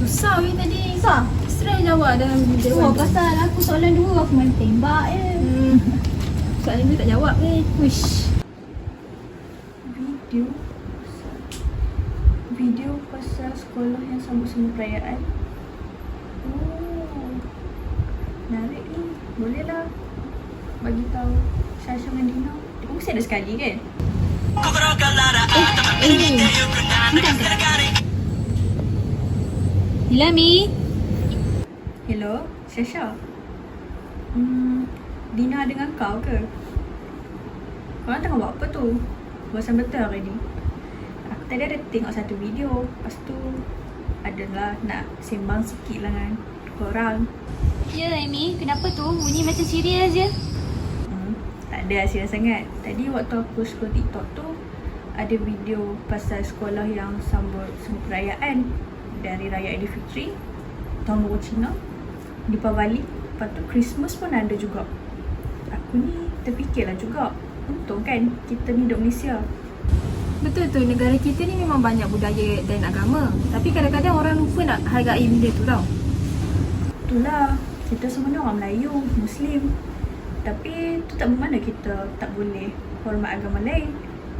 Susah weh tadi. Susah? Stress jawab dalam video. Pasal aku soalan 2 aku main tembak je. Soalan ni tak jawab weh. Wish. Video pasal sekolah yang sambut semua perayaan. Oh, menarik ni. Boleh lah bagi tahu Syasha dengan Dina. Dia mesti ada sekali kan? Hilami. Hello, Syasha. Dina dengan kau ke? Korang tengah buat apa tu? Bosan betul hari ni. Aku tadi ada tengok satu video. Lepas tu adalah nak sembang sikit lah dengan korang. Ya Amy, kenapa tu? Bunyi macam serius je. Tak ada serius sangat. Tadi waktu aku scroll TikTok tu, ada video pasal sekolah yang sambut semua perayaan. Dari Raya Aidilfitri, Tahun Baru Cina, Deepavali, lepas tu Christmas pun ada juga. Aku ni terfikirlah juga, untung kan kita ni duduk Malaysia. Betul tu, negara kita ni memang banyak budaya dan agama. Tapi kadang-kadang orang lupa nak hargai benda tu tau. Itulah, kita semua ni orang Melayu, Muslim. Tapi tu tak bermakna kita tak boleh hormat agama lain.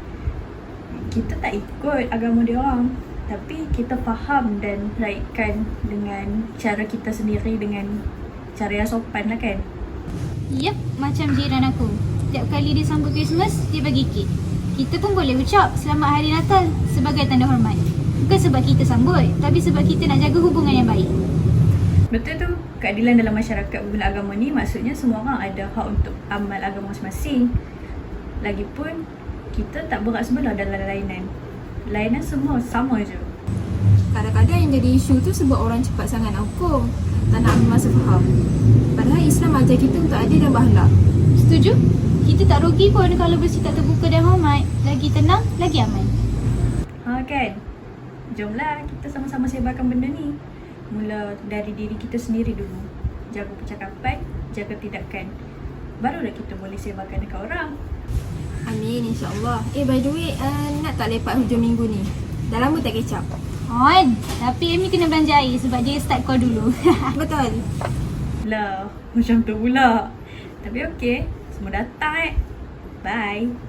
Kita tak ikut agama dia orang, tapi kita faham dan raihkan dengan cara kita sendiri, dengan cara yang sopan lah kan. Yep, macam jiran aku. Setiap kali dia sambut Christmas, dia bagi kek. Kita pun boleh ucap Selamat Hari Natal sebagai tanda hormat. Bukan sebab kita sambut, tapi sebab kita nak jaga hubungan yang baik. Betul tu, keadilan dalam masyarakat berguna agama ni maksudnya semua orang ada hak untuk amal agama masing-masing. Lagipun, kita tak berat sebelah dalam lainan. Lainan semua sama je. Kadang-kadang yang jadi isu tu sebab orang cepat sangat nak hukum, tak nak ambil masa faham. Padahal Islam ajar kita untuk adil dan berakhlak. Setuju? Kita tak rugi pun kalau bersikap terbuka dan hormat. Lagi tenang, lagi aman. Ha kan? Jomlah kita sama-sama sebarkan benda ni. Mula dari diri kita sendiri dulu. Jaga percakapan, jaga tindakan. Barulah kita boleh sebarkan dekat orang. Amin, insyaAllah. By the way, nak tak lepak hujung minggu ni? Dah lama tak kecap. On, tapi Amy kena belanja air sebab dia start call dulu. Betul. Lah, macam tu pula. Tapi okey, semua datang Bye.